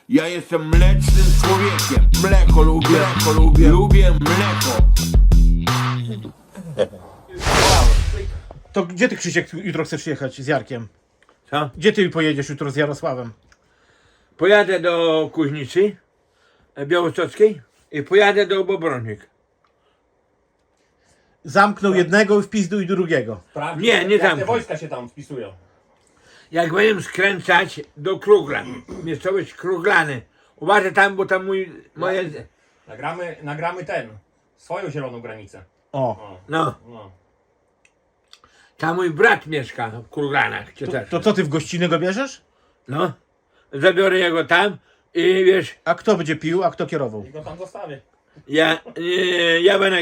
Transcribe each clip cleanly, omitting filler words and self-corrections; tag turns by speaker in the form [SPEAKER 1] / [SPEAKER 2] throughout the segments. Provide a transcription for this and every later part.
[SPEAKER 1] Ja jestem mlecznym człowiekiem. Mleko lubię, lubię mleko.
[SPEAKER 2] To gdzie ty, Krzysiek, jutro chcesz jechać z Jarkiem?
[SPEAKER 3] Co?
[SPEAKER 2] Gdzie ty pojedziesz jutro z Jarosławem?
[SPEAKER 3] Pojadę do Kuźnicy Białostockiej i pojadę do Bobronik.
[SPEAKER 2] Zamknął jednego i wpizduj drugiego.
[SPEAKER 4] Sprawdź,
[SPEAKER 3] Nie, nie
[SPEAKER 4] jak
[SPEAKER 3] tam.
[SPEAKER 4] te wojska się tam wpisują.
[SPEAKER 3] Jak będę skręcać do Kruglan, miejscowość Kruglany. Uważaj tam, bo tam moje...
[SPEAKER 4] Nagramy swoją zieloną granicę.
[SPEAKER 2] O,
[SPEAKER 3] No,
[SPEAKER 4] No.
[SPEAKER 3] tam mój brat mieszka w Kruglanach.
[SPEAKER 2] to co ty w gościnę go bierzesz?
[SPEAKER 3] No, zabiorę jego tam i wiesz,
[SPEAKER 2] A kto będzie pił, a kto kierował?
[SPEAKER 4] I go tam zostawię.
[SPEAKER 3] ja będę...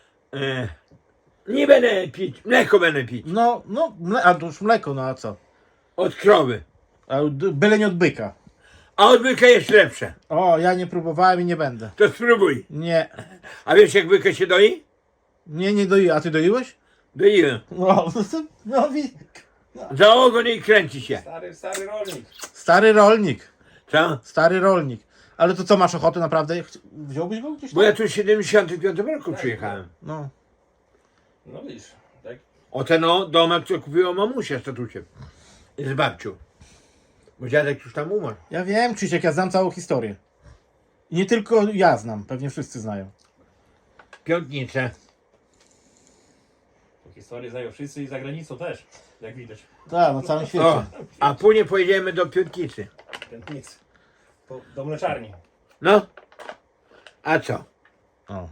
[SPEAKER 3] nie będę pić, mleko będę pić.
[SPEAKER 2] No, a to już mleko, no a co?
[SPEAKER 3] Od krowy.
[SPEAKER 2] A byle nie od byka.
[SPEAKER 3] A od byka jest lepsze.
[SPEAKER 2] O, ja nie próbowałem i nie będę.
[SPEAKER 3] To spróbuj.
[SPEAKER 2] Nie,
[SPEAKER 3] A wiesz jak byka się doi?
[SPEAKER 2] nie doiłem. A ty doiłeś?
[SPEAKER 3] Doiłem.
[SPEAKER 2] No,
[SPEAKER 3] Za ogon i kręci się.
[SPEAKER 4] Stary rolnik.
[SPEAKER 2] stary rolnik.
[SPEAKER 3] Co?
[SPEAKER 2] Stary rolnik. Ale to co, masz ochotę naprawdę? Wziąłbyś go gdzieś
[SPEAKER 3] Bo
[SPEAKER 2] tam?
[SPEAKER 3] ja tu w 75 roku przyjechałem.
[SPEAKER 2] No.
[SPEAKER 4] No widzisz, tak?
[SPEAKER 3] O ten domek, co kupiła mamusia z tatuciem. Z babcią. Bo dziadek już tam umarł.
[SPEAKER 2] Ja wiem, Krzysiek, ja znam całą historię. I nie tylko ja znam, pewnie wszyscy znają.
[SPEAKER 3] Piątnicę.
[SPEAKER 4] Tą historię znają wszyscy i za granicą też, jak widać.
[SPEAKER 2] Tak, na całym
[SPEAKER 3] O,
[SPEAKER 2] świecie.
[SPEAKER 3] a później pojedziemy do Piątnicy.
[SPEAKER 4] Tętnic. Do mleczarni.
[SPEAKER 3] No. A co?
[SPEAKER 2] O.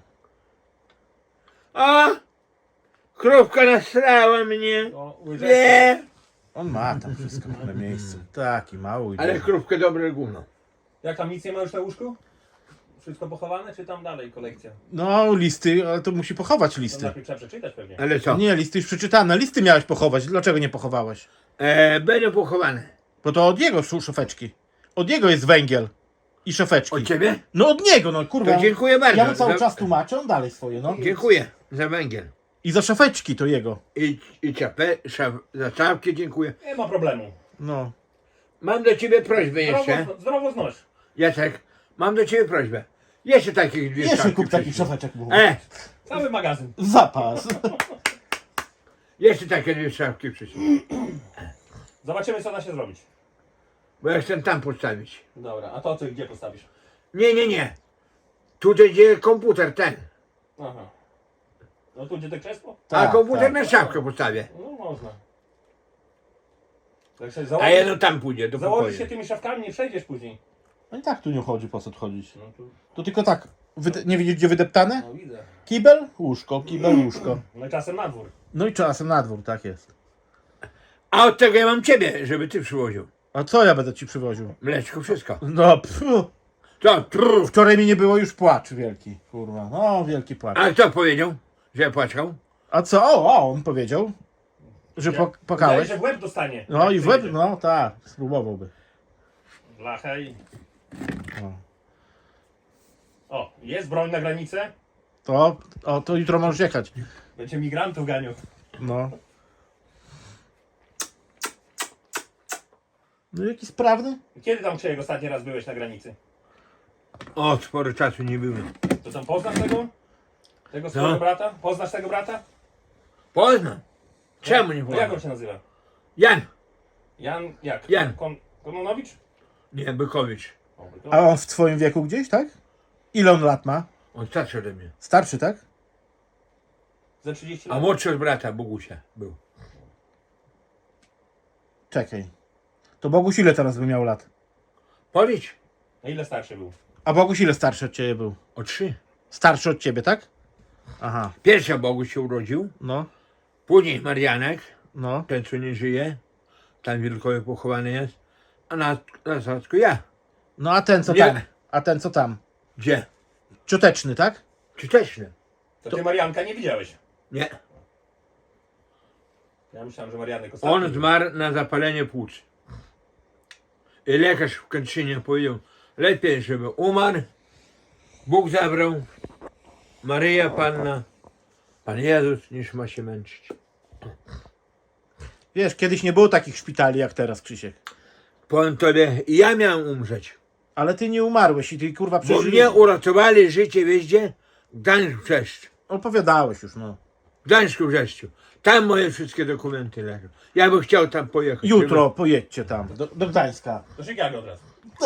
[SPEAKER 3] O! Krówka nasrała mnie.
[SPEAKER 4] O,
[SPEAKER 3] Nie!
[SPEAKER 2] On ma tam wszystko na miejscu. Taki mały.
[SPEAKER 3] Ale krówkę dobre gówno.
[SPEAKER 4] Jak tam nic nie ma już na łóżku? Wszystko pochowane, czy tam dalej kolekcja?
[SPEAKER 2] No, listy, ale to musi pochować
[SPEAKER 4] To
[SPEAKER 2] listy.
[SPEAKER 4] najpierw trzeba przeczytać pewnie.
[SPEAKER 3] Ale co?
[SPEAKER 2] Nie, listy już przeczytane. Listy miałeś pochować. Dlaczego nie pochowałeś?
[SPEAKER 3] Będę pochowany.
[SPEAKER 2] Bo to od jego są szafeczki. Od jego jest węgiel i szafeczki.
[SPEAKER 3] Od ciebie?
[SPEAKER 2] No od niego, no kurwa.
[SPEAKER 3] To dziękuję bardzo.
[SPEAKER 2] Ja mu cały
[SPEAKER 3] Za-
[SPEAKER 2] czas tłumaczę, on dalej swoje, no.
[SPEAKER 3] Dziękuję za węgiel.
[SPEAKER 2] I za szafeczki to jego.
[SPEAKER 3] I za czapkę dziękuję.
[SPEAKER 4] Nie ma problemu.
[SPEAKER 2] No.
[SPEAKER 3] Mam do ciebie prośbę jeszcze.
[SPEAKER 4] Zdrowo znoś.
[SPEAKER 3] Jacek, mam do ciebie prośbę. Jeszcze takich dwie
[SPEAKER 2] Jeszcze
[SPEAKER 3] szafki
[SPEAKER 2] kup takich
[SPEAKER 3] przyślij.
[SPEAKER 2] szafeczek mu.
[SPEAKER 4] Cały magazyn.
[SPEAKER 2] Zapas.
[SPEAKER 3] Jeszcze takie dwie szafki przyślij.
[SPEAKER 4] Zobaczymy, co da się zrobić.
[SPEAKER 3] Bo ja chcę tam postawić.
[SPEAKER 4] Dobra, a to ty gdzie postawisz?
[SPEAKER 3] Nie. Tutaj gdzie komputer ten.
[SPEAKER 4] Aha. No tu gdzie to krzesło?
[SPEAKER 3] A
[SPEAKER 2] Tak,
[SPEAKER 3] komputer
[SPEAKER 2] tak.
[SPEAKER 3] na szafkę postawię.
[SPEAKER 4] No można. Jak sobie
[SPEAKER 3] A jedno tam pójdzie do
[SPEAKER 4] założysz się
[SPEAKER 3] pokoju.
[SPEAKER 4] tymi szafkami, nie przejdziesz później.
[SPEAKER 2] No i tak tu nie chodzi, po co tu chodzić.
[SPEAKER 4] No tu,
[SPEAKER 2] To tylko tak. Nie widzisz gdzie wydeptane?
[SPEAKER 4] no widzę.
[SPEAKER 2] Kibel, łóżko, kibel, łóżko.
[SPEAKER 4] No i czasem na dwór.
[SPEAKER 2] No i czasem na dwór, tak jest.
[SPEAKER 3] A od tego ja mam ciebie, żeby ty przywoził.
[SPEAKER 2] A co ja będę ci przywoził?
[SPEAKER 3] Mleczko, wszystko.
[SPEAKER 2] No, pfu.
[SPEAKER 3] Co? Trrr.
[SPEAKER 2] Wczoraj mi nie było już płacz wielki, kurwa. No, wielki płacz.
[SPEAKER 3] A kto powiedział, że ja płaczał?
[SPEAKER 2] A co? O, on powiedział, że
[SPEAKER 4] Wydaje,
[SPEAKER 2] płakałeś.
[SPEAKER 4] że w łeb dostanie.
[SPEAKER 2] No
[SPEAKER 4] jak
[SPEAKER 2] i w łeb,
[SPEAKER 4] przyjdzie.
[SPEAKER 2] no tak, spróbowałby.
[SPEAKER 4] Blachę i...
[SPEAKER 2] No.
[SPEAKER 4] O, jest broń na granicę.
[SPEAKER 2] To jutro możesz jechać.
[SPEAKER 4] Będzie migrantów ganiał.
[SPEAKER 2] No. No jaki sprawny?
[SPEAKER 4] Kiedy tam Krzyjek ostatni raz byłeś na granicy?
[SPEAKER 3] O, sporo czasu nie byłem.
[SPEAKER 4] To tam poznasz tego? Tego swojego brata? Poznasz tego brata?
[SPEAKER 3] Poznam. Czemu nie
[SPEAKER 4] No jak on
[SPEAKER 3] poznam?
[SPEAKER 4] się nazywa?
[SPEAKER 3] Jan.
[SPEAKER 4] Jan, jak?
[SPEAKER 3] Jan.
[SPEAKER 4] Kononowicz?
[SPEAKER 3] Nie, Bykowicz.
[SPEAKER 4] O,
[SPEAKER 2] A on w twoim wieku gdzieś, tak? Ile on lat ma?
[SPEAKER 3] On starszy ode mnie.
[SPEAKER 2] Starszy, tak?
[SPEAKER 4] Ze 30
[SPEAKER 3] A
[SPEAKER 4] lat.
[SPEAKER 3] młodszy od brata, Bogusia, był.
[SPEAKER 2] Czekaj. To Boguś ile teraz by miał lat?
[SPEAKER 3] Policz.
[SPEAKER 4] Na ile starszy był?
[SPEAKER 2] A Boguś ile starszy od ciebie był?
[SPEAKER 3] O 3.
[SPEAKER 2] Starszy od ciebie, tak? Aha,
[SPEAKER 3] Pierwsza Boguś się urodził.
[SPEAKER 2] no,
[SPEAKER 3] Później Marianek,
[SPEAKER 2] no.
[SPEAKER 3] ten co nie żyje. Tam Wilkowie pochowany jest. A na Sadzku ja.
[SPEAKER 2] No a ten co
[SPEAKER 3] Nie.
[SPEAKER 2] tam? A ten co tam?
[SPEAKER 3] Gdzie?
[SPEAKER 2] Cioteczny, tak?
[SPEAKER 3] Czy też nie?
[SPEAKER 4] To ty Marianka nie widziałeś.
[SPEAKER 3] Nie.
[SPEAKER 4] Ja myślałem, że Marianek ostatni
[SPEAKER 3] On
[SPEAKER 4] był.
[SPEAKER 3] zmarł na zapalenie płuc. I lekarz w Kętrzynie powiedział, lepiej, żeby umarł, Bóg zabrał, Maryja Panna, Pan Jezus, niż ma się męczyć.
[SPEAKER 2] Wiesz, kiedyś nie było takich szpitali jak teraz, Krzysiek.
[SPEAKER 3] Powiem tobie, ja miałem umrzeć.
[SPEAKER 2] Ale ty nie umarłeś i ty kurwa
[SPEAKER 3] Bo
[SPEAKER 2] przeżyłeś.
[SPEAKER 3] mnie uratowali życie, wiesz gdzie? Gdańsk Brzeszcz.
[SPEAKER 2] Opowiadałeś już, no.
[SPEAKER 3] W Gdańsku Brzeszczu. Tam moje wszystkie dokumenty leżą. Ja bym chciał tam pojechać.
[SPEAKER 2] Jutro pojedźcie tam, do Gdańska.
[SPEAKER 4] Do Chicago od razu.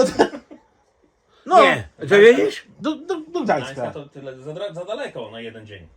[SPEAKER 2] No,
[SPEAKER 3] Nie, to wiedziesz?
[SPEAKER 2] do
[SPEAKER 4] Gdańska
[SPEAKER 2] Gdańska.
[SPEAKER 4] to tyle za daleko na jeden dzień.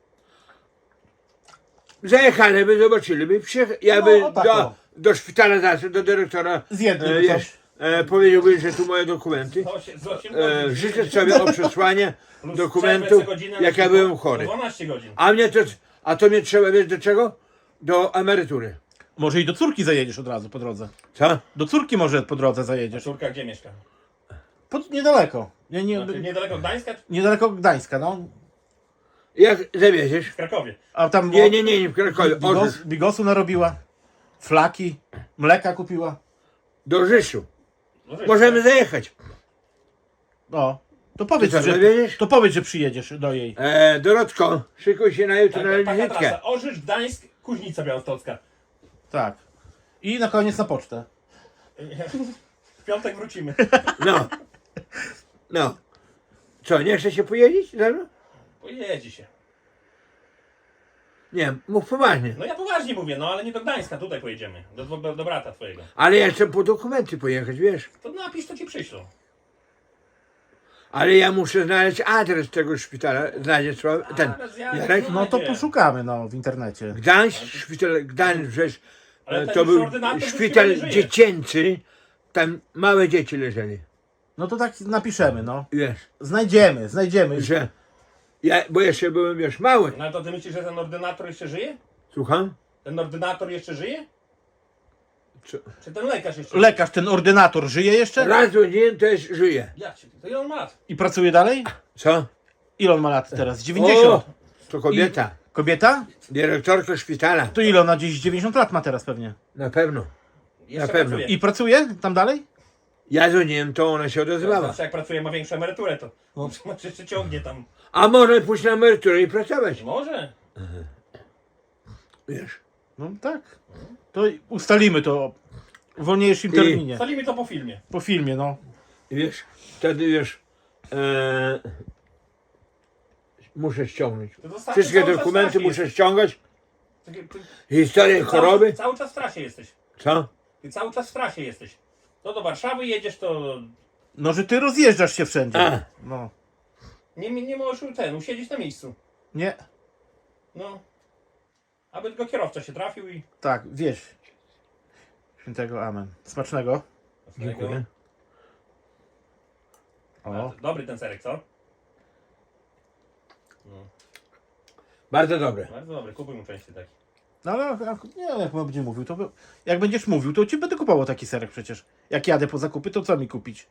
[SPEAKER 3] Zajechali by, zobaczyli by, ja
[SPEAKER 2] No,
[SPEAKER 3] by
[SPEAKER 2] tak, o.
[SPEAKER 3] do szpitala zaszedł, do dyrektora,
[SPEAKER 2] Zjedli by
[SPEAKER 3] wiesz,
[SPEAKER 2] coś.
[SPEAKER 3] powiedziałbym, że tu moje dokumenty.
[SPEAKER 4] Z 8 godzin.
[SPEAKER 3] Życzę sobie o przesłanie
[SPEAKER 4] Plus
[SPEAKER 3] dokumentów,
[SPEAKER 4] przerwę co godzinę
[SPEAKER 3] jak
[SPEAKER 4] na
[SPEAKER 3] ja byłem chory.
[SPEAKER 4] 12 godzin.
[SPEAKER 3] A to mnie trzeba, wiesz do czego? Do emerytury.
[SPEAKER 2] Może i do córki zajedziesz od razu po drodze.
[SPEAKER 3] Co?
[SPEAKER 2] Do córki może po drodze zajedziesz.
[SPEAKER 4] Córka gdzie mieszka?
[SPEAKER 2] Niedaleko.
[SPEAKER 4] Znaczy, niedaleko Gdańska czy
[SPEAKER 2] Niedaleko Gdańska, no.
[SPEAKER 3] Jak zawieziesz?
[SPEAKER 4] w Krakowie?
[SPEAKER 2] A tam
[SPEAKER 3] Nie, w Krakowie,
[SPEAKER 2] bigosu narobiła, flaki, mleka kupiła.
[SPEAKER 3] do Rzeszu.
[SPEAKER 4] No, żeś,
[SPEAKER 3] Możemy
[SPEAKER 4] tak?
[SPEAKER 3] zajechać.
[SPEAKER 2] No, to powiedz,
[SPEAKER 3] Ty co,
[SPEAKER 2] że,
[SPEAKER 3] zawieziesz?
[SPEAKER 2] to powiedz, że przyjedziesz do jej.
[SPEAKER 3] Dorotko, szykuj się na jutro na
[SPEAKER 4] Taka
[SPEAKER 3] wizytkę.
[SPEAKER 4] trasa. Orzecz, Gdańsk, Kuźnica Białostocka.
[SPEAKER 2] Tak. I na koniec na pocztę.
[SPEAKER 4] W piątek wrócimy.
[SPEAKER 3] No. Co, nie chce się pojeździć ze mną?
[SPEAKER 4] Pojedzie się.
[SPEAKER 3] Nie, mów poważnie.
[SPEAKER 4] No ja poważnie mówię, no ale nie do Gdańska, tutaj pojedziemy. Do brata twojego.
[SPEAKER 3] Ale ja chcę po dokumenty pojechać, wiesz.
[SPEAKER 4] To napisz, to ci przyślą.
[SPEAKER 3] Ale ja muszę znaleźć adres tego szpitala. Znajdziesz ten
[SPEAKER 4] Adres ja-
[SPEAKER 3] Jarek?
[SPEAKER 2] No to
[SPEAKER 4] Nie.
[SPEAKER 2] poszukamy, no, w internecie.
[SPEAKER 3] Gdańsk, szpital Gdańsk, żeś,
[SPEAKER 4] Ale ten
[SPEAKER 3] to
[SPEAKER 4] już
[SPEAKER 3] był
[SPEAKER 4] ordynator już
[SPEAKER 3] szpital
[SPEAKER 4] chyba nie żyje.
[SPEAKER 3] dziecięcy. Tam małe dzieci leżeli.
[SPEAKER 2] No to tak napiszemy, no.
[SPEAKER 3] Wiesz,
[SPEAKER 2] Znajdziemy.
[SPEAKER 3] że ja, bo jeszcze byłem, wiesz, mały.
[SPEAKER 4] No to ty myślisz, że ten ordynator jeszcze żyje?
[SPEAKER 3] Słucham?
[SPEAKER 4] Ten ordynator jeszcze żyje?
[SPEAKER 3] Co?
[SPEAKER 4] Czy ten lekarz jeszcze żyje?
[SPEAKER 2] Lekarz, ten ordynator żyje jeszcze?
[SPEAKER 3] Raz w dzień też żyje.
[SPEAKER 4] Jak się? To ile on ma lat?
[SPEAKER 2] I pracuje dalej?
[SPEAKER 3] Co?
[SPEAKER 2] Ile on ma lat teraz? 90.
[SPEAKER 3] O, to kobieta.
[SPEAKER 2] Kobieta?
[SPEAKER 3] Dyrektorka szpitala.
[SPEAKER 2] To ile ona gdzieś 90 lat ma teraz pewnie.
[SPEAKER 3] Na pewno.
[SPEAKER 4] Jeszcze
[SPEAKER 3] pewno.
[SPEAKER 4] pracuje.
[SPEAKER 2] I pracuje tam dalej?
[SPEAKER 3] Ja dzwoniłem, to ona się odezwała.
[SPEAKER 4] Zawsze jak pracuje, ma większą emeryturę, to może jeszcze ciągnie tam.
[SPEAKER 3] A może pójść na emeryturę i pracować.
[SPEAKER 4] Może.
[SPEAKER 3] Wiesz.
[SPEAKER 2] No tak. To ustalimy to w wolniejszym terminie.
[SPEAKER 4] Ustalimy to po filmie.
[SPEAKER 2] Po filmie, no.
[SPEAKER 3] I wiesz, wtedy wiesz, muszę ściągnąć.
[SPEAKER 4] To zostawmy
[SPEAKER 3] Wszystkie
[SPEAKER 4] cały czas w
[SPEAKER 3] dokumenty
[SPEAKER 4] trasie
[SPEAKER 3] muszę ściągać.
[SPEAKER 4] jesteś.
[SPEAKER 3] Historię choroby.
[SPEAKER 4] Cały czas w trasie jesteś.
[SPEAKER 3] Co?
[SPEAKER 4] Ty cały czas w trasie jesteś. To do Warszawy jedziesz, to
[SPEAKER 2] No, że ty rozjeżdżasz się wszędzie.
[SPEAKER 3] A.
[SPEAKER 2] No.
[SPEAKER 4] nie możesz usiedzieć na miejscu.
[SPEAKER 2] Nie.
[SPEAKER 4] No. Aby tylko kierowca się trafił i...
[SPEAKER 2] Tak, wieś. Świętego amen. Smacznego.
[SPEAKER 3] Dziękuję.
[SPEAKER 2] O.
[SPEAKER 4] Dobry ten serek, co?
[SPEAKER 3] Bardzo dobre.
[SPEAKER 4] Bardzo dobry, kupuj mu częściej taki.
[SPEAKER 2] No ale nie, jak będzie mówił, to jak będziesz mówił, to ci będę kupował taki serek przecież. Jak jadę po zakupy, to co mi kupić?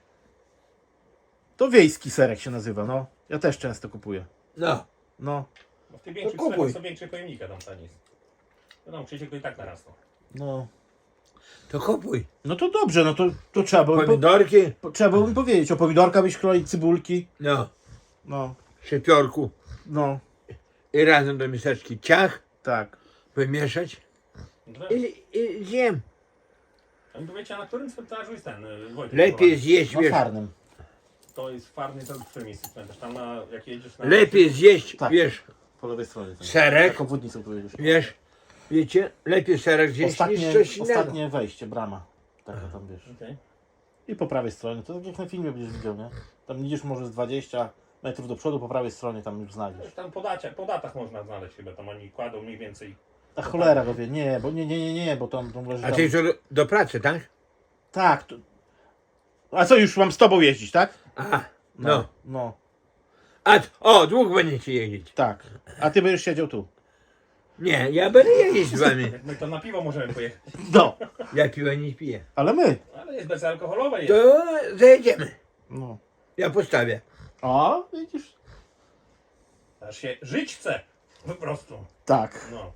[SPEAKER 2] To wiejski serek się nazywa, no. Ja też często kupuję.
[SPEAKER 3] No.
[SPEAKER 2] No.
[SPEAKER 4] Bo w tych większych
[SPEAKER 3] kupuj.
[SPEAKER 4] sklepach są większe pojemnika tam taniej. Wiadomo, Krzysiek to i tak narasło.
[SPEAKER 2] No.
[SPEAKER 3] To kupuj.
[SPEAKER 2] No to dobrze, no to trzeba było,
[SPEAKER 3] Pomidorki.
[SPEAKER 2] trzeba było mi powiedzieć. O pomidorka byś kroić, cybulki.
[SPEAKER 3] No.
[SPEAKER 2] No.
[SPEAKER 3] Szepiorku.
[SPEAKER 2] No.
[SPEAKER 3] I razem do miseczki ciach.
[SPEAKER 2] Tak.
[SPEAKER 3] Wymieszać.
[SPEAKER 4] No,
[SPEAKER 3] I zjem.
[SPEAKER 4] a mi powiecie, na którym cmentarzu jest ten Wojtek?
[SPEAKER 3] Lepiej
[SPEAKER 4] pochowany?
[SPEAKER 3] zjeść,
[SPEAKER 2] No
[SPEAKER 3] wiesz.
[SPEAKER 2] farnym.
[SPEAKER 4] To jest farny, to w którym miejscu cmentarz? Tam na, jak jedziesz na...
[SPEAKER 3] Lepiej zjeść,
[SPEAKER 2] Tak.
[SPEAKER 3] wiesz,
[SPEAKER 2] Po lewej stronie. Tam.
[SPEAKER 3] serek.
[SPEAKER 2] Taką wódnicą powiedzieć.
[SPEAKER 3] Wiesz, wiecie, lepiej serek zjeść niż coś innego.
[SPEAKER 2] Ostatnie wejście, brama. Taka tam wiesz.
[SPEAKER 4] Okej.
[SPEAKER 2] I po prawej stronie, to tak jak na filmie będziesz widział, nie? Tam idziesz może z 20 metrów do przodu, po prawej stronie tam już znajdziesz.
[SPEAKER 4] Tam po datach można znaleźć chyba, tam oni kładą mniej więcej.
[SPEAKER 2] A cholera go wie, nie, bo nie, bo tam leży
[SPEAKER 3] A
[SPEAKER 2] tam...
[SPEAKER 3] ty co do pracy, tak?
[SPEAKER 2] Tak. To... A co, już mam z tobą jeździć, tak?
[SPEAKER 3] Aha, no.
[SPEAKER 2] No,
[SPEAKER 3] Dwóch będziecie jeździć.
[SPEAKER 2] tak. A ty będziesz siedział tu.
[SPEAKER 3] Nie, ja będę jeździć z wami.
[SPEAKER 4] Jak my to na piwo możemy pojechać.
[SPEAKER 2] No,
[SPEAKER 3] Ja piwa nie piję.
[SPEAKER 2] ale my.
[SPEAKER 4] Ale jest bezalkoholowe jest.
[SPEAKER 3] To zajedziemy.
[SPEAKER 2] No.
[SPEAKER 3] Ja postawię.
[SPEAKER 2] A, widzisz?
[SPEAKER 4] Aż się żyć chce. Po prostu.
[SPEAKER 2] Tak.
[SPEAKER 4] No.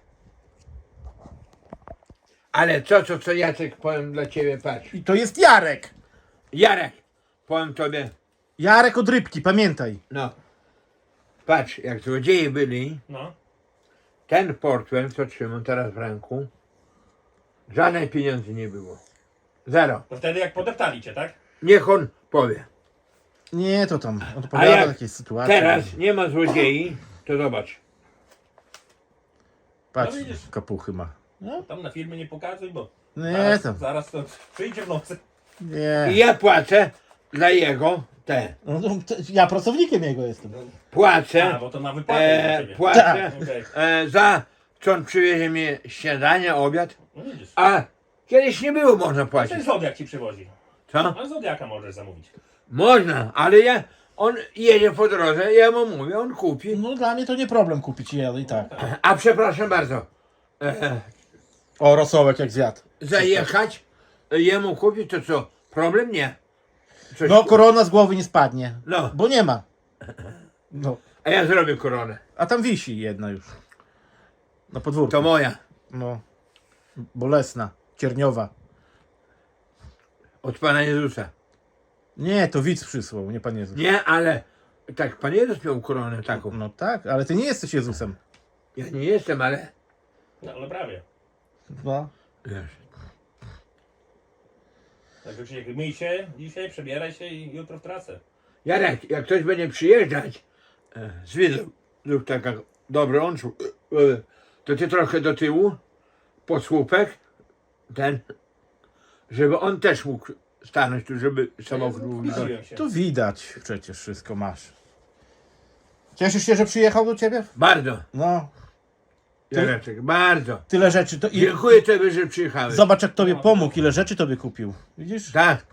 [SPEAKER 3] Ale co Jacek powiem dla ciebie, patrz.
[SPEAKER 2] I to jest Jarek.
[SPEAKER 3] Jarek, powiem tobie,
[SPEAKER 2] Jarek od rybki, pamiętaj.
[SPEAKER 3] no. Patrz, jak złodzieje byli,
[SPEAKER 4] No.
[SPEAKER 3] ten portfel, co trzymam teraz w ręku, żadnej pieniędzy nie było. Zero.
[SPEAKER 4] To wtedy jak podeptali cię, tak?
[SPEAKER 3] Niech on powie.
[SPEAKER 2] Nie, to tam
[SPEAKER 3] A
[SPEAKER 2] odpowiada
[SPEAKER 3] jak
[SPEAKER 2] takiej sytuacji.
[SPEAKER 3] teraz nie ma złodziei, to zobacz.
[SPEAKER 2] Patrz,
[SPEAKER 4] No widzisz.
[SPEAKER 2] kapuchy ma. No,
[SPEAKER 4] Tam na filmie nie pokazuj, bo
[SPEAKER 2] nie, to,
[SPEAKER 4] zaraz to przyjdzie w nocy.
[SPEAKER 2] nie.
[SPEAKER 3] I ja płacę dla jego te.
[SPEAKER 2] No, ja pracownikiem jego jestem.
[SPEAKER 3] Płacę,
[SPEAKER 4] Bo to na wypadek dla ciebie.
[SPEAKER 3] płacę
[SPEAKER 4] Okej.
[SPEAKER 3] za co on przywiezie mi śniadanie, obiad.
[SPEAKER 4] No widzisz.
[SPEAKER 3] A kiedyś nie było można
[SPEAKER 4] Ten
[SPEAKER 3] płacić.
[SPEAKER 4] Zodiak ci przywozi.
[SPEAKER 3] Co?
[SPEAKER 4] A Zodiaka możesz zamówić.
[SPEAKER 3] Można, ale on jedzie po drodze, ja mu mówię, on kupi.
[SPEAKER 2] No dla mnie to nie problem kupić jadę i tak.
[SPEAKER 3] A przepraszam bardzo,
[SPEAKER 2] O, rosołek jak zjadł.
[SPEAKER 3] zajechać, jemu kupić, to co, problem? Nie. Coś
[SPEAKER 2] No, korona z głowy nie spadnie.
[SPEAKER 3] No.
[SPEAKER 2] Bo nie ma. No.
[SPEAKER 3] A ja zrobię koronę.
[SPEAKER 2] A tam wisi jedna już. Na podwórku.
[SPEAKER 3] To moja.
[SPEAKER 2] No. Bolesna. Cierniowa.
[SPEAKER 3] Od Pana Jezusa.
[SPEAKER 2] Nie, to widz przysłał, nie Pan Jezus.
[SPEAKER 3] Nie, ale tak, Pan Jezus miał koronę taką.
[SPEAKER 2] No tak, ale ty nie jesteś Jezusem.
[SPEAKER 3] Ja nie jestem, ale
[SPEAKER 4] No ale prawie.
[SPEAKER 2] No.
[SPEAKER 3] wiesz,
[SPEAKER 4] Także Krzysiek, myj się dzisiaj, przebieraj się i jutro w trasę.
[SPEAKER 3] Jarek, jak ktoś będzie przyjeżdżać z widzów, lub taka dobry on, to ty trochę do tyłu, pod słupek, ten, żeby on też mógł stanąć tu, żeby samochód był widoczny.
[SPEAKER 4] Wkusiłem się.
[SPEAKER 2] Tu widać przecież wszystko masz. Cieszysz się, że przyjechał do ciebie?
[SPEAKER 3] Bardzo,
[SPEAKER 2] No.
[SPEAKER 3] Jareczek, bardzo.
[SPEAKER 2] Tyle rzeczy. To i...
[SPEAKER 3] Dziękuję Tobie, że przyjechałeś.
[SPEAKER 2] Zobacz jak tobie pomógł, ile rzeczy tobie kupił. Widzisz?
[SPEAKER 3] Tak,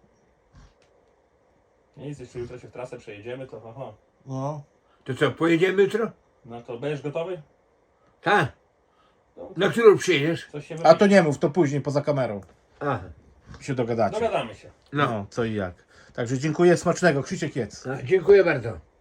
[SPEAKER 4] Nic, jeśli jutro się w trasę przejedziemy, to aha.
[SPEAKER 2] No.
[SPEAKER 3] to co, pojedziemy jutro?
[SPEAKER 4] No to będziesz gotowy?
[SPEAKER 3] Tak.
[SPEAKER 4] No,
[SPEAKER 3] Na którą przyjedziesz?
[SPEAKER 4] coś się
[SPEAKER 2] A
[SPEAKER 4] wymyśli.
[SPEAKER 2] to nie mów, to później poza kamerą
[SPEAKER 3] Aha.
[SPEAKER 2] się dogadacie.
[SPEAKER 4] Dogadamy się.
[SPEAKER 3] No,
[SPEAKER 2] No, co i jak. Także dziękuję, smacznego. Krzysiek jedz.
[SPEAKER 3] dziękuję bardzo.